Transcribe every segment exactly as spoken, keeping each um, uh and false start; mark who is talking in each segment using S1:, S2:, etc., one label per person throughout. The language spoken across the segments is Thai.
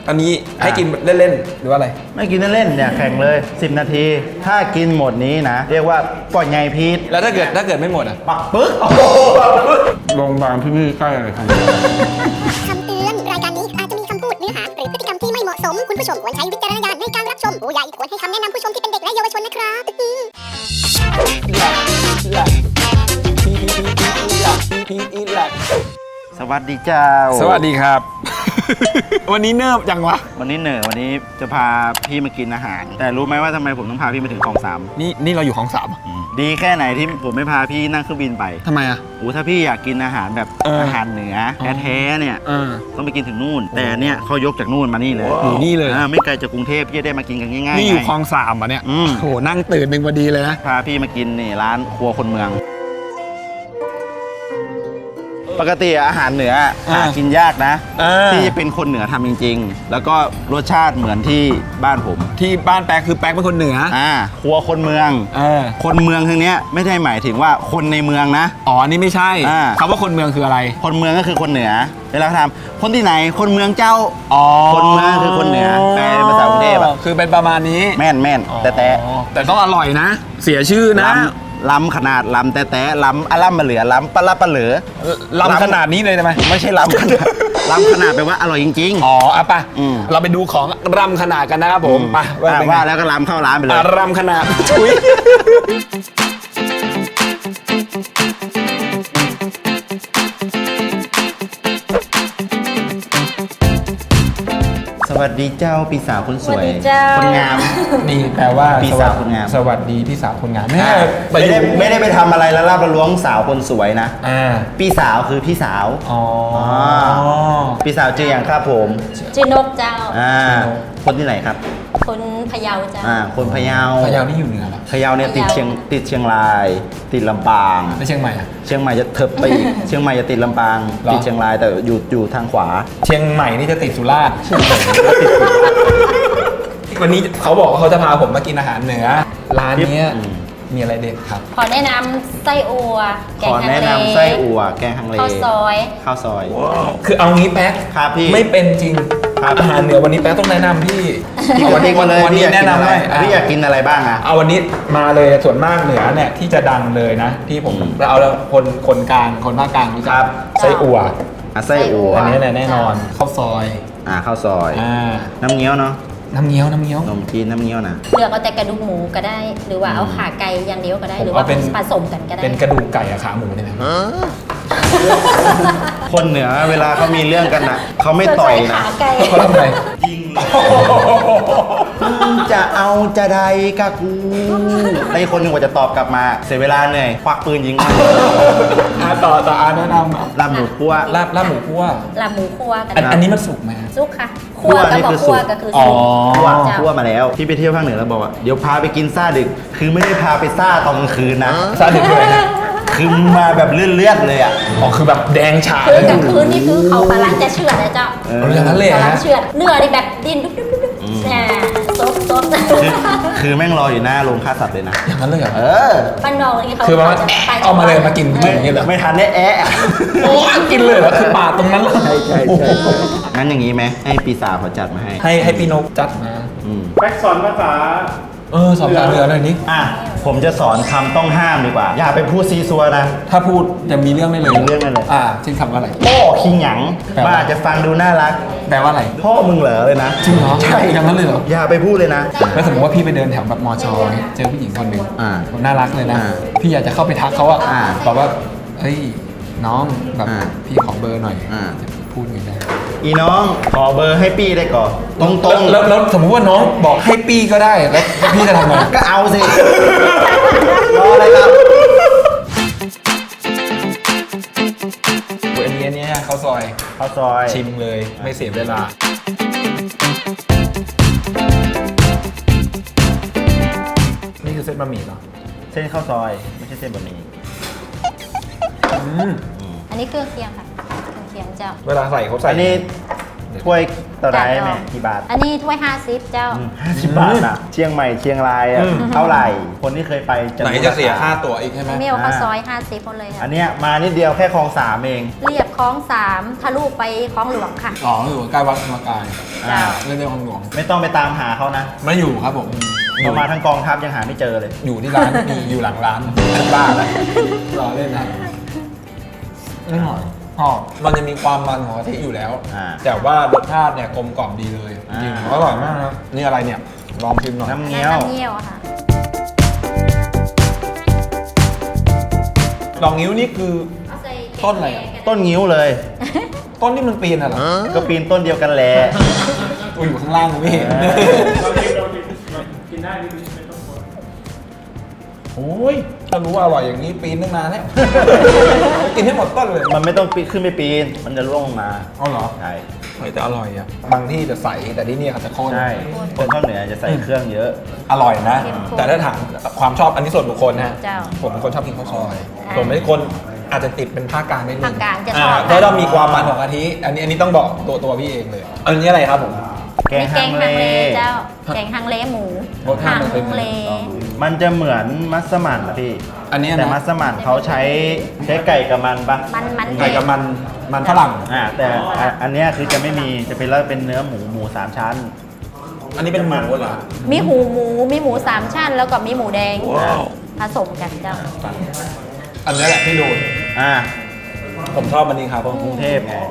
S1: อันนี้ให้กินเล่นๆหรือว่าอะไร
S2: ไม่กินเล่นๆเนี่ยแข่งเลยสิบนาทีถ้ากินหมดนี้นะเรียกว่าปล่อยไงพีท
S1: แล้วถ้าเกิดถ้าเกิดไม่หมดอ่ะ
S2: ปักปึ๊ก
S1: โรงพยาบาลที่นี่ใกล้อะไรครับ
S3: คำเตือนรายการนี้อาจจะมีคำพูดเนื้อหาหรือพฤติกรรมที่ไม่เหมาะสมคุณผู้ชมควรใช้วิจารณญาณในการรับชมผู้ใหญ่ควรให้คำแนะนำผู้ชมที่เป็นเด็กและเยาวชนนะครับ
S2: สวัสดีเจ้า
S1: สวัสดีครับ วันนี้เนิบจังวะ
S2: วันนี้เหนื่อยวันนี้จะพาพี่มากินอาหารแต่รู้ไหมว่าทำไมผมต้องพาพี่มาถึงคลองสาม
S1: นี่นี่เราอยู่คลองสาม
S2: ดีแค่ไหนที่ผมไม่พาพี่นั่งเครื่องบินไป
S1: ทำไมอ่ะ
S2: โอ้ถ้าพี่อยากกินอาหารแบบอาหารเหนือแท้ๆเนี่ยต้องไปกินถึงนู่นแต่เนี่ยเขายกจากนู่นมานี่เลย
S1: อยู่นี่เลย
S2: ไม่ไกลจากกรุงเทพพี่จะได้มากินกันง่ายๆ
S1: นี่อยู่คลองสามอ่ะเนี่ยโหนั่งตื่นหนึ่งพอดีเลยนะ
S2: พาพี่มากินนี่ร้านครัวคนเมืองปกติอาหารเหนือหากินยากนะที่จะเป็นคนเหนือทำจริงๆแล้วก็รสชาติเหมือนที่บ้านผม
S1: ที่บ้านแป๊กคือแป๊กเป็นคนเหนือ
S2: อ่าครัวคนเมืองคนเมืองทางเนี้ยไม่ได้หมายถึงว่าคนในเมืองนะ
S1: อ๋อนี่ไม่ใช่คำว่าคนเมืองคืออะไร
S2: คนเมืองก็คือคนเหนือเวลาถามคนที่ไหนคนเมืองเจ้าอ๋อคนเมืองคือคนเหนือแปลเป็นภาษากรุงเทพ
S1: คือเป็นประมาณนี้
S2: แม่นแม่นแต่แต่
S1: แต่ต้องอร่อยนะเสียชื่อนะ
S2: ล้ำขนาดล้ำแต่แต่ล้ำอลัมมาเหลือล้ำปลาปลาเหลือ
S1: ล้ำขนาดนี้เลยใช่ไหม
S2: ไม่ใช่ล้ำขนาดล้ำขนาดแปลว่าอร่อยจริง
S1: ๆอ๋ออ่ะป่ะเราไปดูของล้ำขนาดกันนะครับผมไป
S2: ว่าแล้วก็ล้ำเข้าร้านไปเลย
S1: ล้ำขนาดชุย
S2: สวัสดีเจ้าพี่สาวคนสวยคนงาม
S1: นี่แปลว่า
S2: พี่สาวคนงาม
S1: สวัสดีพี่สาวคนงาม
S2: ไม่ได้ไม่ได้ไปทำอะไรแล้วลาบล้วงสาวคนสวยนะพี่สาวคือพี่สาวอ๋อพี่สาวชื่ออย่างครับผม
S4: ชื่อนกเจ้า
S2: อ่าคนที่ไหนครับ
S4: คนพะเยาเจ้า
S2: อ่าคนพะเยา
S1: พะเยานี่อยู่เหนือหรอ
S2: พะเยาเนี่ยติดเชียงติดเชียงรายติดลำปาง
S1: แล้วเชียงใหม่อะ
S2: เชียงใหม่จะเถิบไปอีกเชียงใหม่จะติดลำปางติดเชียงรายแต่อยู่อยู่ทางขวา
S1: เชียงใหม่นี่จะติดสุราษฎร์วันนี้เขาบอกว่าเขาจะพาผมมากินอาหารเหนือร้านนี้มีอะไรเด็ดครับ
S4: ขอแนะนำไส้อั่ว
S2: แกงฮังเลขอแนะนำไส้อั่วแกงฮังเล
S4: ข้าวซอย
S2: ข้าวซอย
S1: คือเอางี้แป๊ก
S2: ครับพี่
S1: ไม่เป็นจริงอาหารเหนือวันนี้แป๊กต้องแนะนำพี่
S2: วันนี้วันเลย
S1: วันนี้แนะนำให้
S2: พี่อยากกินอะไรบ้างอ่ะ
S1: เอาวันนี้มาเลยส่วนมากเหนือเนี่ยที่จะดังเลยนะที่ผมเอาแล้วคนคนกลางคนภาคกลางรู้จักไส้อั่ว
S2: ไส้อั่ว
S1: อันนี้แน่นอนข้าวซอย
S2: อ่าข้าวซอย
S1: อ่า
S2: น้ำเงี้ยวเนาะ
S1: น้ำเงี้ยวน้ำเงี้ยว
S2: นมจีนน้ำเงี้ยวนะ
S4: เลือกเอาแต่กระดูกหมูก็ได้หรือว่าเอาขาไก่อย่างเดียวก็ได้หรือว่าผสมกันก็ได้
S1: เป็นกระดูกไก่กับขาหมูได้ไหม
S2: คนเหนือเวลาเขามีเรื่องกันอ่ะเขาไม่ต่อยนะ
S1: เขาทำไง
S2: ยิงจะเอาจะใดกะกูไอ้คนหนึ่งกว่าจะตอบกลับมาเสียเวลาเหนื่อยควักปืนยิง
S1: มาต่อต่ออาแนะนำ
S2: ลาบหมูคั่ว
S1: ลาบลาบหมูคั่ว
S4: ลาบหมูคั่วกัน
S1: อันนี้มันสุกไหม
S4: สุกค่ะคั่วก็บอกคั่วก็คือสุก
S2: คั่วคั่วมาแล้วที่ไปเที่ยวภาคเหนือแล้วบอกว่าเดี๋ยวพาไปกินซ่าดึกคือไม่ได้พาไปซ่าตอนกลางคืนนะ
S1: ซ่าดึกเลย
S2: คือมาแบบเลื่อนๆเลยอ่ะ
S1: อ๋อคือแบบแดงฉา
S4: คือกลางคืนนี่คือเขากำลังจะเชือดนะเจ้า
S1: อย่างนั้นเลย
S4: ฮะเชือดเนื้อนี่แบบดิ้นดุ๊บดุ๊บดุ๊บแหมซบซบ
S2: คือแม่งรออยู่หน้าโรงฆ่าสัตว์เลยนะ
S1: อย่างนั้นเลยเหรอ
S2: เออ
S4: บ้านนอกนี่เขา
S1: คือว่าเอามาเลยมากินไม่อย่างนี้เหรอ
S2: ไม่ทันได้แอะ
S1: กินเลยเหรอคือปาดตรงนั้นเลย
S2: ใช่ใช่ใช่งั้นอย่างนี้ไหมให้ปีศาจเขาจัดมาให้
S1: ให้ให้พี่นกจัดมา
S2: แบ็กสอนภาษา
S1: เออสอนภาษาเหนือหน่อยนิ
S2: อ่ะผมจะสอนคำต้องห้ามดีกว่าอย่าไปพูดซีซัวนะ
S1: ถ้าพูดจะมีเรื่องไม่เลย
S2: มีเรื่องไม่เลย
S1: อ่าเช่นคำว่าอะไร
S2: พ่อคิงหยังว่าจะฟังดูน่ารัก
S1: แปลว่าอะไร
S2: พ่อมึงเหรอเลยนะ
S1: จริงเหรอใช่อย่างนั้นเลยเหรอ
S2: อย่าไปพูดเลยนะ
S1: แล้วสมมติว่าพี่ไปเดินแถวแบบมอชอเนี่ยเจอผู้หญิงคนหนึ่งน่ารักเลยนะพี่อยากจะเข้าไปทักเขาอะบอกว่าเฮ้ยน้องแบบพี่ขอเบอร์หน่อยพูดอย่างนี้
S2: อีน้องขอเบอร์ให้ปี้ได้ก่อนตรงตรง
S1: แล้วแล้วสมมติว่าน้องบอกให้ปี้ก็ได้แล้วพี่จะทำไง
S2: ก็เอาสิรออะไรครับ
S1: อันนี้อันนี้ข้าวซอย
S2: ข้าวซอย
S1: ชิมเลยไม่เสียเวลานี่คือเส้นบะหมี่เหรอ
S2: เส้นข้าวซอยไม่ใช่เส้นบะหมี่
S4: อันนี้เครื่องเคียงค่ะเครื่องเคียงเจ้า
S1: เวลาใส่เขาใส่
S2: อันนี้ถ้วยต่อได้
S4: จ้ะ
S2: ไหมกี่บาท
S4: อันนี้ถ้วยห้าสิบเจ้า
S2: ห้าสิบบาทอ่ะเชียงใหม่เชียงรายอ่ะเท่าไหร่คนที่เคยไปจะ
S1: ไหน
S2: รู้
S1: จะเสีย
S2: ร
S1: ค่าตั๋วอีกใช่ไหม
S4: เมียวข้าวซอยห้าสิบคนเลย
S2: อั
S4: ค่ะ
S2: นเนี้ยมานิดเดียวแค่คลองสามเอง
S4: เรียบคลองสามทะลุไปคลองหลวงค่ะ
S1: อ๋ออยู่ใกล้วัดธรรมกาย
S2: อ่า
S1: เรื่องเรื่องของหลวง
S2: ไม่ต้องไปตามหาเขานะ
S1: ไม่อยู่ครับผมอ
S2: เรา
S1: ยู่
S2: มาทั้งกองทัพยังหาไม่เจอเลย
S1: อยู่ที่ร้านมีอยู่หลังร้านบ้าอะไรรอเล่นนะไม่หน่อยอ๋อมันจะมีความมันของกะทิอยู่แล้ว
S2: อ่า
S1: แต่ว่ารสชาติเนี่ยกลมกล่อมดีเลย
S2: อ่า
S1: จริงอร่อยมากนะนี่อะไรเนี่ยลองชิมหน่อย
S2: น้ำเงี้ยว
S4: น้ำเงี้ยวค่ะ
S1: ลองนิ้วนี่คือ ต้นอะไรอะ
S2: ต้นงิ้วเลย
S1: ต้นที่มันปีนอะเหรอ
S2: ก็ปีนต้นเดียวกันแหละ
S1: อุ้ยอยู่ข้างล่างผมไม่เห็น
S2: เออ
S5: เรากินเรากินกินได้นี่ไม่ต้องกลัว
S1: โอ้ยถ้ารู้ว่าอร่อยอย่างนี้ปีนตั้งนานแล้ว กินให้หมดต้นเลย
S2: มันไม่ต้องปีนขึ้นไปปีน มันจะร่วงลงมา
S1: เอาเหรอ
S2: ใช่
S1: เฮ้ยแต่อร่อยอ่ะบางที่จะใสแต่ที่นี่เขาจะข้น
S2: ใช่คนภาคเหนือจะใส่เครื่องเยอะ
S1: อร่อยนะ
S4: เข้มข้น
S1: แต่ถ้าถามความชอบอันนี้ส่วนบุคคลนะ
S4: เจ้า
S1: ผมเป็นคนชอบกินข้าวซอย
S4: อ่า
S1: ผมเป็นคนอาจจะติดเป็นภาคกลางนิดนึง
S4: ภาคกลางจะชอบ
S1: าเพราะเรามีความมันของกะทิอันนี้อันนี้ต้องบอกตัวตัวพี่เองเลย อันนี้อะไรครับผม
S2: แกง
S4: นี่
S2: ฮังเล
S4: เจ้า แกงฮังเลหมู
S1: รสชา
S4: ฮั
S1: ติมันเป็น
S4: งเล
S2: มันจะเหมือนมัสมั่นนะพี่
S1: อันนี้นะ
S2: แต่มัสมั่นเขาใช้ใช้ไก่กับมันปะ
S4: มันมัน
S1: ไก่กับมันมันฝรั่ง
S2: อ่าแต่อ่ะอันเนี้ยคือจะไม่มีจะเป็นแล้วเป็นเนื้อหมูหมูสามชั้น
S1: อันนี้เป็นหมูเหรอ
S4: มีหูหมู มีหมูสามชั้น แล้วก็มีหมูแดงผสมกันเจ้า
S1: อันนี้แหละที่โดน
S2: อ่า
S1: ผมชอบอันนี้ครับ
S2: คนกรุงเทพไง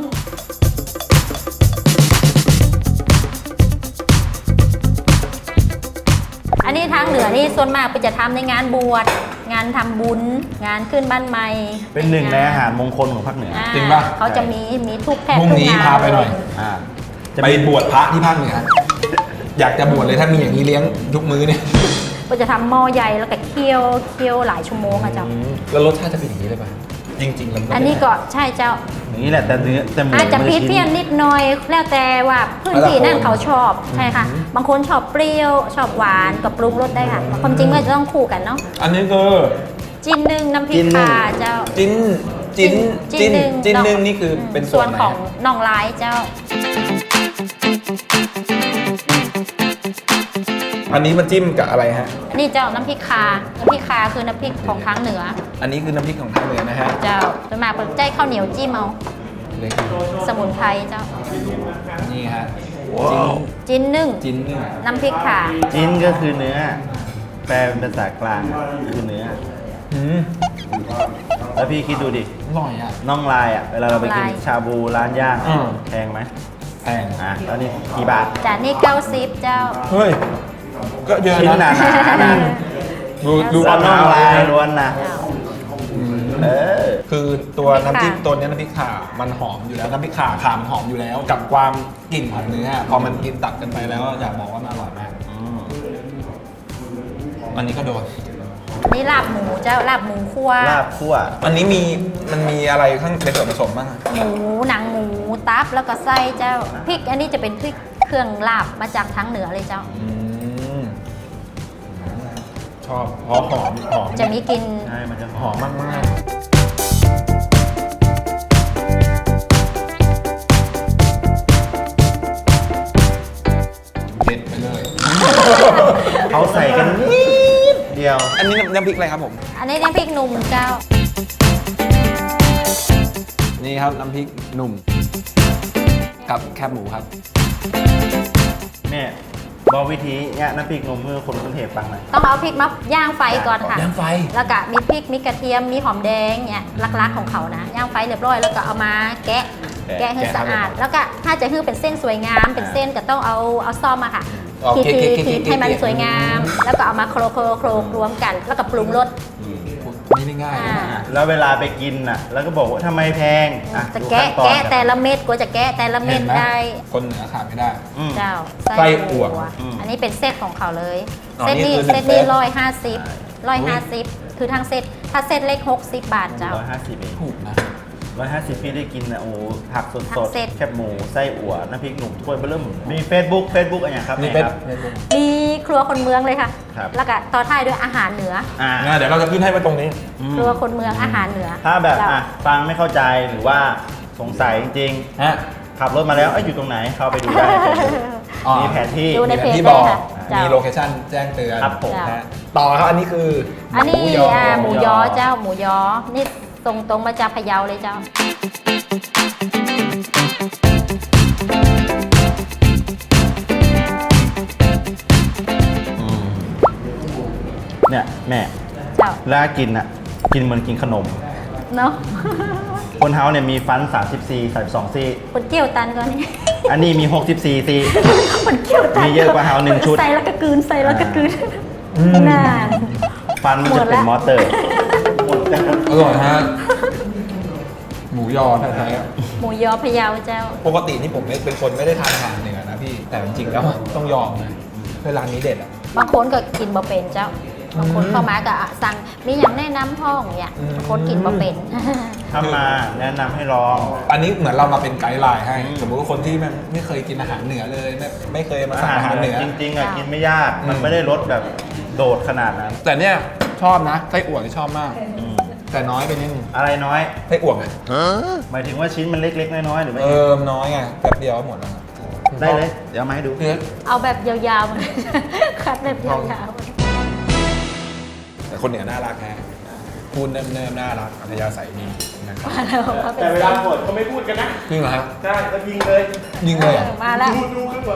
S4: อันนี้ทางเหนือนี่ส่วนมากไปจะทำในงานบวช งานทำบุญ งานขึ้นบ้านใหม่
S2: เป็นหนึ่งในอาหารมงคลของภาคเหนือ
S4: อ่า
S1: จริงป่ะ
S4: เขาจะมีมีทุกแพท
S1: พรุ่งนี้
S4: ทุกง
S1: พาไปหน่อย
S2: อ่า
S1: จะไปบวชพระที่ภาคเหนือ อยากจะบวชเลยถ้ามีอย่างนี้เลี้ยงทุกมื้อเนี่ย
S4: ก็จะทำหม้อใหญ่แล้วก็เคี่ยวเคี่ยวหลายชั่วโมงอะเจ้า
S1: แล้วรสชาติจะเป็นอย่างนี้เลยป่ะ จริงๆแล้วมั
S4: อันนี้ก็ใช่เจ้า
S2: อย่างนี้แหละแต่เนื้อแต่หมู
S4: อาจจะ
S2: มัน
S4: พริก
S2: ชิ้
S4: เพี้ยนนิดหน่อย แล้วแต่ว่าพื้นที่นั่นเขาชอบใช่ค่ะ บางคนชอบเปรี้ยวชอบหวานก็ปรุงรสได้ค่ะความจริงมันจะต้องคู่กันเนาะ
S1: อันนี้คือ
S4: จิ้นหนึ่งน้ำพริกข่าเจ้า
S1: จิ้นจิ้นจิ้น
S4: หนึ่ง
S1: จิ้นหนึ่งนี่คือเป็นส่
S4: ส่
S1: ว
S4: วน น
S1: ไหน
S4: ของน่องลายเจ้า
S1: อันนี้มันจิ้มกับอะไรฮะ
S4: นี่เจ้าน้ำพริกคาน้ำพริกคาคือน้ำพริกของทางเหนือ
S1: อันนี้คือน้ำพริกของทางเหนือนะฮะ
S4: เจ้าส่วนมากเป็นใจข้าวเหนียวจิ้มเอา
S1: เลย
S4: สมุนไพรเจ้า
S1: นี่ฮะ
S4: จิ้นนึ่ง
S1: จิ้นหนึ่ง
S4: น้ำพริกขา
S2: จิ้นก็คือเนื้อ แปลเป็นภาษากลางคือเนื้อ
S1: อืม
S2: แล้วพี่คิดดูดิ
S1: อร่อยอ่ะ
S2: น่องลายอ่ะ เวลาเราไปกินชาบูร้านย่าง
S1: อืม
S2: แพงไหม
S1: แพง
S2: อ่ะแล้วนี่กี่บาท
S4: จานนี้เก้าสิบเจ้า
S1: เฮ้ย ก็เยอะ
S2: ชิ้นหนา
S1: นะ
S2: ๆนะ
S1: ดูดู
S2: แล้วน่องลาย
S1: นะ
S2: ล้วนนะ เออ
S1: คือตัวน้ำจิ้ม
S4: น้ำพริกข่า
S1: ตัวเนี้ยน้ำพริกข่ามันหอมอยู่แล้วน้ำพริกข่าข่ามันหอมอยู่แล้ว กับความกลิ่นของเนื้อพอมันกินตัดกันไปแล้วอยากบอกว่ามันอร่อยมากอันนี้ก็โดน
S4: นี่ลาบหมูเจ้าลาบหมูคั่ว
S2: ลาบคั่ว
S1: อันนี้มีมันมีอะไรข้างเป็นส่วนผสมบ้างอะ
S4: หมูหนังหมูตับแล้วก็ไส้เจ้าพริกอันนี้จะเป็นพริกเครื่องลาบมาจากทางเหนือเลยเจ้า
S1: อืมชอบเพราะหอมหอม
S4: จะมีกลิน
S2: ใช่ มันจะห
S1: ห
S2: อ
S1: อ
S2: ม
S1: มมากมากเด็ดไปเลย
S2: เขาใส่กันนิดเดียว
S1: อันนี้น้ำพริกอะไรครับผม
S4: อันนี้น้ำพริกหนุ่มเจ้า
S1: นี่ครับน้ำพริกหนุ่ม กับแคบหมูครับ
S2: เนี่ยบอกวิธีเนี่ยน้ำพริกนมเพื่อคนกรุงเทพฟังหน่อย
S4: ต้องเอาพริกมาย่างไฟก่อนค่ะ
S1: ย่างไฟ
S4: แล้วก็มีพริก มีกระเทียม มีหอมแดงเนี่ยลักๆของเขานะ ย่างไฟเรียบร้อยแล้วก็เอามาแกะ
S2: แกะ
S4: แกะให้สะอาด แล้วก็ถ้าจะให้เป็นเส้นสวยงาม เป็นเส้นก็ต้องเอาเอาซ่อมอะค่ะ
S1: อ๋อ
S4: ที
S1: เกะ
S4: ที
S1: เกะเกะ
S4: ที
S1: เกะ
S4: ให้มันสวยงาม แล้วก็เอามาโคลโคลโคลรวมกัน แล้วก็ปรุงรส
S1: นี่ไม่ง่าย
S4: อ่า
S1: นะ
S2: แล้วเวลาไปกินน่ะ แล้วก็บอกว่าทำไมแพงอ่ะ
S4: จะ
S2: ดู
S4: แกะ
S2: ขั้นตอน
S4: แกะแต่ละเม็ดกว่าจะแกะแต่ละเม็
S1: เห็
S4: ด
S1: นไหม
S4: ได้
S1: คนเหนือขาดไม่ได้
S2: อืม
S4: เจ้า
S1: ไส้อั่ว
S2: อืม
S4: อันนี้เป็นเซตของเขาเลย
S1: อ๋อ
S4: เซต
S1: นี่
S4: นี้
S1: คือ
S4: เซตนี้
S1: หนึ่งเซต
S4: ร้อยห้าสิบร้อยห้าสิบคือทางเซตถ้าเซตเล็กหกสิบบาทเจ้า
S2: ร้อยห้าสิบเอง
S1: ถูกนะ
S2: ร้อยห้าสิบพี่ได้กินนะโอ้โหผักส
S4: ผั
S2: ด
S4: กเสร็จ
S2: ๆแคบหมูไส้อั่วน้ำพริกหนุ่มถ้วยเบอร์เริ่มมี Facebook Facebook อะไรอย่างครับ
S1: นี่
S2: แม่
S1: เป็น
S2: ครับ
S4: มีครัวคนเมืองเลยค่ะ
S2: ครับ
S4: แล้วก็ต่อท้ายด้วยอาหารเหนือ
S2: อ่า
S1: อ่าเดี๋ยวเราจะขึ้นให้มาตรงนี้
S2: อืม
S4: ครัวคนเมืองอาหารเหนือ
S2: ถ้าแบบ
S4: เจ้
S2: อ่ะฟังไม่เข้าใจหรือว่าสงสัยจริง
S1: ฮะ
S2: ๆขับรถมาแล้วเอ้ยอยู่ตรงไหนเข้าไปดูได้ใน Facebook
S1: อ๋อ
S2: มีแผนที่
S4: ดูในเพจ
S1: ที่
S4: ได้
S1: บอก
S4: ค่ะเจ้า
S1: มีโลเคชั่นแจ้งเตือน
S2: ครับผม
S1: นะฮะต่อครับอันนี้คือ
S4: อั
S1: อั
S4: นนี้อ่าหมูยอเจ้าหมูยอ นี่ส่งตรงมาจากพะเยาเลยเจ้า
S2: เนี่ยแม่
S4: เจ้า
S2: แล้วกินอ่ะกินเหมือนกินขนม
S4: เนาะ
S2: คนเฮาเนี่ยมีฟัน สามสิบสี่ สามสิบสอง ซี่
S4: คนเกี่ยวตันก่อนนี่
S2: อันนี้มี หกสิบสี่ ซี่
S4: คนเกี่ยวตัน
S2: มีเยอะกว่าเฮาหนึ่งชุด
S4: ใส่แล้วก็กลืนใส่แล้วก็กลืนนาน
S2: ฟันมันจะเป็นมอเตอร์
S1: อร่อยฮะหมูยอแท้ๆอะ
S4: หมูยอพะเยาเจ้า
S1: ปกตินี่ผมเป็นคนไม่ได้ทานอาหารเหนือนะพี่แต่จริงๆแล้วต้องยอมนะเวลานี้เด็ดอ่ะ
S4: บางคนก็กินบะเป็นเจ้า บางคนเข้ามาก็อ่ะสั่งมีอย่างแนะนำห้องเนี่ย
S1: อืม
S4: บางคนกินบะเป็น
S2: ถ้ามาแนะนำให้ลอง
S1: อันนี้เหมือนเรามาเป็นไกด์ไลน์ให้
S2: อืม
S1: สมมติว่าคนที่มันไม่เคยกินอาหารเหนือเลยไม่ไม่เคยมา
S2: อา
S1: สั่ง
S2: หาร
S1: อาหาร
S2: เห
S1: เห
S2: นื
S1: นื
S2: อ
S1: อ
S2: จริงๆอ่ะ
S4: ค่ะ
S2: กินไม่ยาก มัน
S1: อืม
S2: ไม่ได้รสแบบโดดขนาดนั้น
S1: แต่เนี่ยชอบนะไส้อั่วที่ชอบมาก
S2: อืม
S1: แต่น้อยไปนิดนึง
S2: อะไรน้อย
S1: ไส้อั่วไง
S2: หมายถึงว่าชิ้นมันเล็กๆน้อยๆหรือไม่
S1: เออน้อยไงแป๊บเดียวก็หมดแล้วครับ
S2: ได้เลย เดี๋ยวเอามาให้ดู
S1: เนี่ย
S4: เอาแบบยาวๆมา คัดแบบยาว
S1: แต่คนเหนือน่ารักแฮะพูดเนิ่มๆน่ารักอัธยาศัยดีนะครับ
S4: ๆมาแล้วมาเป็น
S5: แต่เวลาหมดเขาไม่พูดกันนะ
S1: จริงเหรอฮะ
S5: ใช่ก็ยิงเลย
S1: ยิงเลยเหรอ
S4: มาแล้ว
S5: ดูดูขึ้นหัว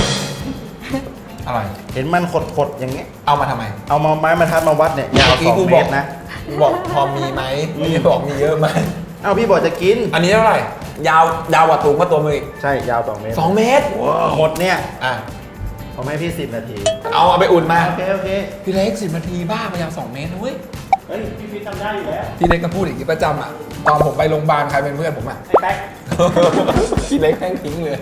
S1: อะไร
S2: เห็นมันขดๆอย่างเงี้ย
S1: เอามาทำไม
S2: เอามาไม้มาทัดมาวัดเนี่ยยาว
S1: เมื่อกี้
S2: สอง
S1: กู
S2: เม
S1: บอก
S2: ตรนะ
S1: กูบอกพอมีไหมไม่ได้บอกมีเยอะไหม
S2: เอ้าพี่บอกจะกิน
S1: อันนี้เท่าไหร่ยาวยาวกว่าตูงกว่าตัวมืออีก
S2: ใช่ยาวสองเมตร
S1: สองเมตร
S2: หมดเนี่ย
S1: อ่ะ
S2: ผมให้พี่สิบนาที
S1: เอาเอาไปอุ่นมา
S2: โอเคโอเค
S1: พี่เล็กสิบนาทีบ้าไปยาวสองเมตรนะเว้ย
S5: เฮ้ยพี่ฟิตทำได้อยู่แล้ว
S1: พี่เล็กก็พูดอย่างนี้ประจำอ่ะตอนผมไปโรงพยาบาลใครเป็นเพื่อนผมอ่ะ
S5: ไอ้แป๊ก
S1: พี่เล็กแม่งทิ้งเลย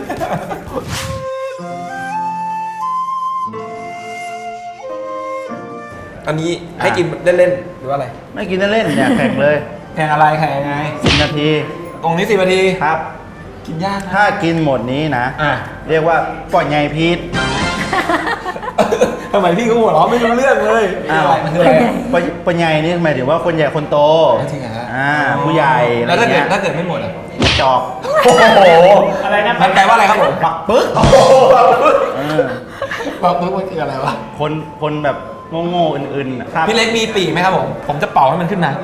S1: อันนี้ให้กินเล่นๆหรือว่าอะไร
S2: ไม่กินเล่นๆเนี่ยแข่งเลย
S1: แข่งอะไรแข่งยังไง
S2: สิบนาที
S1: ตรงนี้สิบนาที
S2: ครับ
S1: กินยากนะ
S2: ถ้ากินหมดนี้นะ
S1: อ่ะ
S2: เรียกว่าปล่อยไงพีท
S1: ทำไมพี่ก็หัวเราะไม่รู้เรื่องเลย
S2: อ้าว
S1: มันคืออะไรอะ
S2: ปล่อยปล่อยไงนี่หมายถึงว่าคนใหญ่คนโต
S1: จริงเหรอฮะ
S2: อ่าผู้ใหญ่อะไร
S1: แล้วถ้าเกิ
S2: เงี้
S1: ด
S2: ย
S1: ถ้าเกิดไม่หมดอ่ะ
S2: จอก
S1: โอ้โห
S5: อะไรนะ
S1: มันแปลว่าอะไรครับผม
S2: ปักปึ๊ก
S1: โอ้โห
S2: เออ
S1: บอกปึ๊บมันคืออะไรวะ
S2: คนคนแบบโง่ๆอื่นๆน่ะครับ
S1: พี่เล็กมีปีกไหมครับผม ผมจะเป่าให้มันขึ้นมา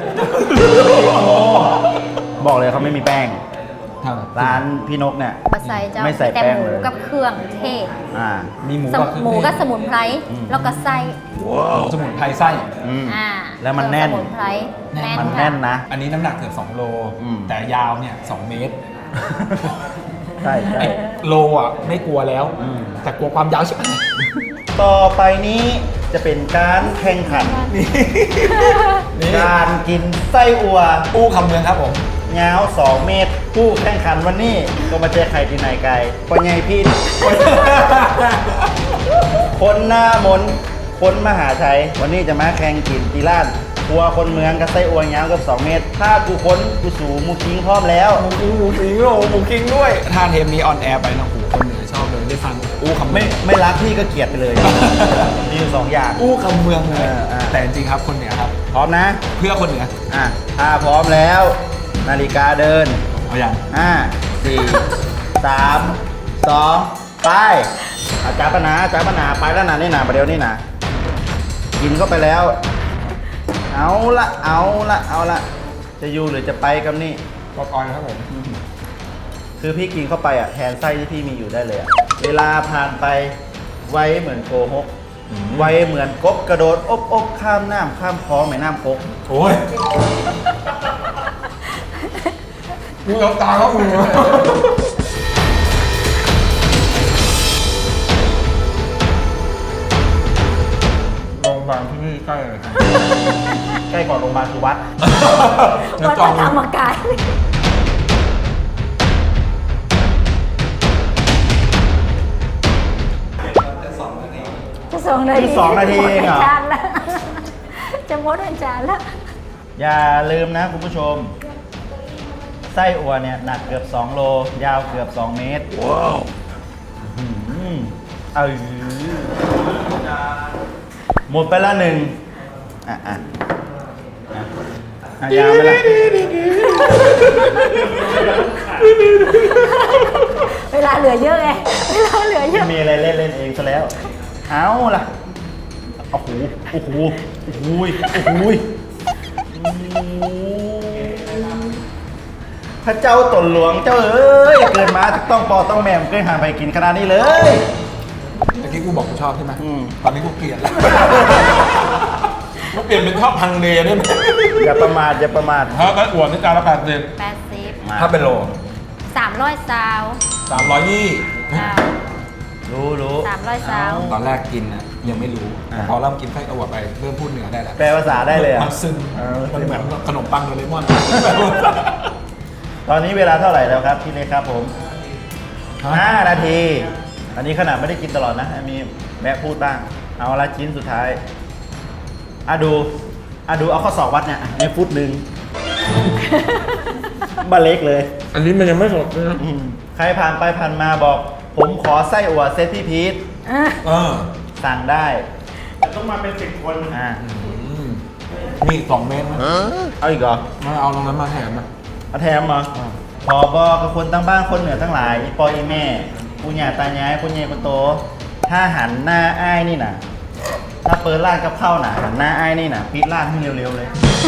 S2: บอกเลยเขาไม่มีแป้ง
S1: ทำไม
S2: ร้านพี่นกเนี่ย
S4: มาใส่เจ้า
S2: ไม่ใส่
S4: แต่
S2: แป้ง
S4: หมู
S2: เลย
S4: กับเครื่องเทศ
S2: อ่า
S1: มีหมู
S4: ส
S1: กับ
S4: มหมูกับสมุนไพร
S2: อืม
S4: แล้วก็ไส้
S1: หมูสมุนไพรไส้
S2: อืม
S4: อ่า
S2: แล้วมันแน่น
S4: สมุนไพรแน่น
S2: มัน
S4: ค่ะ
S2: แน่นนะ
S1: อันนี้น้ำหนักเกือบสองโล
S2: อืม
S1: แต่ยาวเนี่ยสองเมตร
S2: ใช่ใช่
S1: ไอ้โลอ่ะไม่กลัวแล้ว
S2: อืม
S1: แต่กลัวความยาวใช่ไหม
S2: ต่อไปนี้จะเป็นการแข่งขัน
S1: นี่
S2: การกินไส้อัว
S1: อู้คำเมืองครับผม
S2: ยาวสองเมตร ผู้แข่งขันวันนี้ก็มาเจอใครที่ไหนไกลปอใหญ่พี่ คนหน้ามนต์คนมหาชัย วันนี้จะมาแข่งกินตีล้านครัวคนเมืองกับไส้อัวยาวเกับสองเมตร ถ้ากูค้นกูสูหมูคิงพร้อมแล้ว
S1: หมูคิงหมูคิงโอ้หมูคิงด้วย ถ้าเทปนี้ออนแอร์ไปนะโหคนเหนือชอบเลยได้ฟังอู้คำเมื
S2: ไม่
S1: อง
S2: ไม่รักพี่ก็เกลียดไปเลย มีอยู่สองอย่าง
S1: อู้คำเมืองเลย
S2: เออเออ
S1: แต่จริงๆครับคนเหนือครับ
S2: พร้อมนะ
S1: เพื่อคนเหนือ
S2: อ่ะถ้าพร้อมแล้ว นาฬิกาเดิน
S1: เอาอย่าง
S2: ห้าสี่สามสองไปอาจารย์ปนาอาจารย์ปนาไปแล้วนะนี่นะประเดี๋ยวนี่นะกินเข้าไปแล้ว เอาละเอาละเอาละจะอยู่หรือจะไปกับนี่
S1: ปอกออยครับผม
S2: คือพี่กินเข้าไปอ่ะแทนไส้ที่พี่มีอยู่ได้เลยอ่ะเวลาผ่านไปไวเหมือนโกหกไวเหมือนกบกระโดดอบอบข้ามน้ำข้ามคลองแม่น้ำโคก
S1: โอ้ยมึงเอาตาเขามึงโรงพยาบาลที่นี่ใกล้เลยครับ
S2: ใกล้กว่าโรงพยาบาลคือวัด
S1: งั้น
S4: วัด
S1: จอง
S4: พระธรรมกาย จะสองนาที
S2: คือสองนาทีเองเหรอ
S4: จานละจะมดเป็นจานละ
S2: อย่าลืมนะคุณผู้ชม ไส้อั่วเนี่ยหนักเกือบ สองโล ยาวเกือบ สองเมตร ว้าวเออหมดไปละหนึ่งอ่ะอ่ะอ่ะอ่ะยาวไปละ
S4: เวลาเหลือเยอะไงเวลาเหลือเยอะ
S2: มีอะไรเล่นเล่นเองซะแล้ว เอาล่ะโอ้โหโอ้โหโอ้โหโอ้โหพระเจ้าตนหลวงเจ้าเอ้ยเกิดมาต้องปอต้องแม่มเกิดหาไปกินขนาดนี้เลย
S1: เมื่อกี้กูบอกกูชอบใช่ไหม
S2: อืม
S1: ตอนนี้กูเกลียดแล้วกูเปลี่ยนเป็นชอบพังเลได้ไหม
S2: อย่าประมาทอย่าประมาท
S1: ถ้าเป็นอ้วนนี่จานละแปดสิบ
S4: แปดสิบ
S2: มา
S1: ถ้าเป็นโล
S4: สามร้อยซาว
S1: สามร้อยยี่
S4: จ้า
S2: รู้รู้
S4: สามร้อยซาว
S1: ตอนแรกกินอ่ะยังไม่รู้แต่พอเริ่มกินไส้อั่วไปเริ่มพูดเหนือได้แล้ว
S2: แปลภาษาได้เลยอ่ะ
S1: มันซึม
S2: เออ
S1: มันเหมือนขนมปังโดเรมอน
S2: ตอนนี้เวลาเท่าไหร่แล้วครับพี่เล็กครับผมห้านาที อันนี้ขนาดไม่ได้กินตลอดนะมีแวะพูดบ้าง เอาละชิ้นสุดท้ายอ่ะดูอ่ะดูเอาข้อศอกวัดเนี่ยในฟุตหนึ่ง บ้าเล็กเลย
S1: อันนี้มันยังไม่สดเลยนะ
S2: อืมใครผ่านไปผ่านมาบอก ผมขอไส้อั่วเซตที่พีท
S1: เออ
S2: สั่งได้
S5: แต่ต้องมาเป็นสิบคน
S2: อ่า
S1: อืมมีอีกสองเมตรนะ
S2: เอาอีกเหรอ
S1: มาเอาตรงนั้นมาแถมนะ
S2: เอาแถมเหรอขอบอกกับคนตั้งบ้านคนเหนือทั้งหลายอีปออีแม่ปุญญาตายายปุญญาปุโต ถ้าหันหน้าอ้ายนี่น่ะ ถ้าเปิดร้านกับข้าวน่ะหันหน้าอ้ายนี่น่ะปิดร้านให้เร็วๆเลย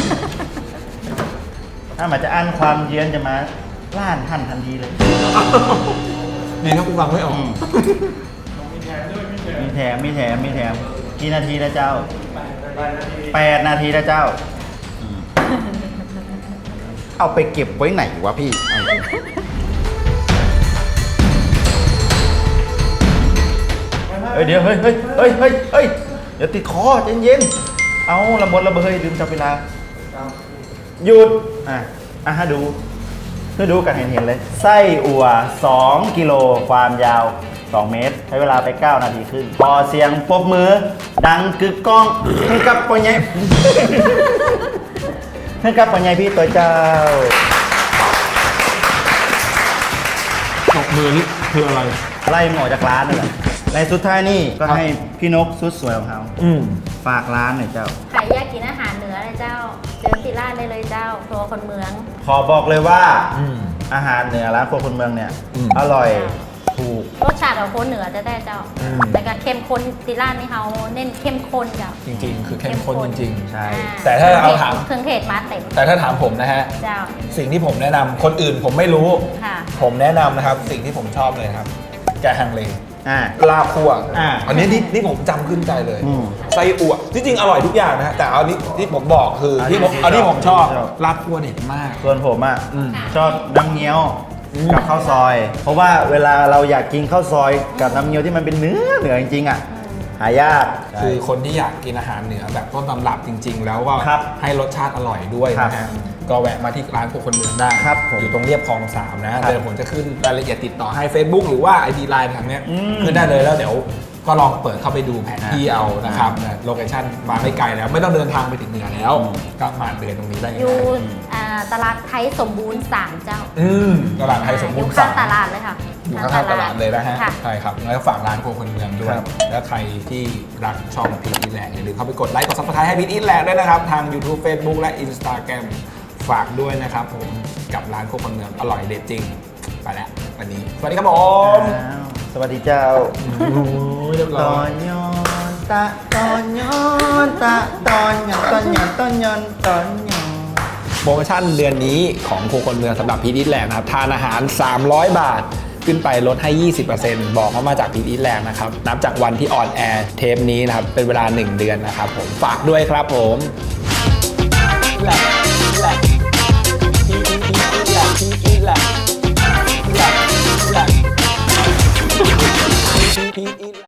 S2: ถ้ามันจะอั้นความเยือนจะมาร้านทันทันทีเลย
S1: นี่ถ้ากูฟังไม่ออก
S2: อืมมีแถมมีแถมมีแถมกี่นาทีนะเจ้าแปดนาทีนะเจ้าอืมเอาไปเก็บไว้ไหนวะพี่เฮ้ยเดี๋ยวเฮ้ยเฮ้ยเฮ้ยเฮ้ยเฮ้ยเดี๋ยวติดคอเย็นเย็นๆเอาละหมดละเบยลืมจับเวลาหยุดอ่ะอ่ะให้ดูให้ดูกันเห็นๆเลยไส้อั่วสองกิโลความยาวสองเมตรใช้เวลาไปเก้านาทีครึ่งพอเสียงปรบมือดังกึกก้องให้กับปอใหญ่ ให้กับปอใหญ่พี่ตัวเจ้า
S1: ตกมือนี่คืออะไร
S2: ไล่หมอจากร้านนั่นแหละในสุดท้ายนี่ก็ให้พี่นกสุดสวยของเขา
S1: อืม
S2: ฝากร้านหน่อยเจ้า
S4: ใครอยากกินอาหารเหนือเลยเจ้า เจอที่ร้านได้เลยเจ้าครัวคนเมือง
S2: ขอบอกเลยว่า
S1: อืม
S2: อาหารเหนือร้านครัวคนเมืองเนี่ย
S1: อืม
S2: อร่อยถูก
S4: รสชาติของคนเหนือจะได้เจ้า
S1: อืม
S4: แต่การเข้มข้นที่ร้านนี่เขาเน้นเข้มข้นเจ้า
S1: จริงๆ คือเข้มข้นจริง
S2: ใช่
S4: อ่
S1: แต่ถ้าเอาถาม
S4: เครื่องเทศมาเต็ม
S1: ๆ แต่ถ้าถามผมนะฮะ
S4: เจ้า
S1: สิ่งที่ผมแนะนำคนอื่นผมไม่รู้
S4: ค่ะ
S1: ผมแนะนำนะครับ สิ่งที่ผมชอบเลยครับ แกงฮังเล
S2: อ่า
S1: ลาบคั่ว
S2: อ่า
S1: อันนี้ที่ที่ผมจำขึ้นใจเลย
S2: อืม
S1: ไส้อั่วที่จริงอร่อยทุกอย่างนะฮะแต่เอานี้ที่ผมบอกคือ
S2: อันนี้
S1: ที่ผม
S2: ที่
S1: เอาที่ผมชอบ
S2: ชอบ
S1: ลาบคั่วเด็ดมาก
S2: ส่วนผมอ่ะ
S1: อืม
S2: ชอบน้ำเงี้ยว
S1: อืม
S2: กับข้าวซอย เพราะว่าเวลาเราอยากกินข้าวซอยกับน้ำเงี้ยวที่มันเป็นเนื้อเหนือจริงๆอ่ะหายาก
S1: คือคนที่อยากกินอาหารเหนือแบบต้นตำรับจริง ๆ แล้วก็
S2: ครับ
S1: ให้รสชาติอร่อยด้วย
S2: ครับ
S1: นะฮะก็แวะมาที่ร้านพวกคนเมืองได้
S2: ครับผม
S1: อยู่ตรงเรียบคลองสามนะ
S2: ครั
S1: เดี๋
S2: บ
S1: ยวผมจะขึ้นรายละเอียดติดต่อให้ Facebook หรือว่า ไอ ดี ไลน์ทางเนี้ย
S2: อืม
S1: ขึ้นได้เลยแล้วเดี๋ยวก็ลองเปิดเข้าไปดูแผนที่
S2: อ่า
S1: เอานะครับโลเคชั่นมาไม่ไกลแล้วไม่ต้องเดินทางไปถึงเหนือแล้ว
S2: อืม
S1: ก็มาเดินตรงนี้ได้
S4: อยู่อ่าตลาดไทยสมบูรณ์สามเจ้า
S1: อืมตลาดไทยสมบูรณ์
S4: อยู่ข้าง
S1: สาม
S4: ตลาดเลยค่ะ
S1: อยู่ข้างๆตลาดเลยนะฮะ
S4: ค่ะ
S1: ใช่ครับแล้วก็ฝากร้านโครัวคนเมืองด้วย
S2: ครับ
S1: แล้วใครที่รักช่องพีทอีแลนด์อย่าลืมเข้าไปกดไลค์กดซับสไครต์ให้พีทอีแลนด์ด้วยนะครับ ทาง YouTube Facebook และ Instagram ฝากด้วยนะครับผมกับร้านโครัวคนเมืองอร่อยเด็ดจริง ไปแล้ววันนี้ สวัสดีครับผม
S2: อ้าวสวัสดีเจ้า
S1: โอ้ยเรียบ
S2: ต
S1: ร้
S2: อ
S1: อย
S2: นย้อนตะตอนย้อนตะตอนย้อนตอนย้อนตอนย้อนตอนย้อน
S1: โปรโมชั่นเดือนนี้ของโครัวคนเมืองสำหรับพีทอีแลนด์นะครับทานอาหาร สามร้อยบาท ขึ้นไปลดให้ ยี่สิบเปอร์เซ็นต์ บอกว่ามาจากพีทอีแลนด์นะครับนับจากวันที่ออนแอร์เทปนี้นะครับเป็นเวลาหนึ่งเดือนนะครับผมฝากด้วยครับผมแหละแหละพีทอีแลนด์พีทอีแลนด์แหละแหละพีทอี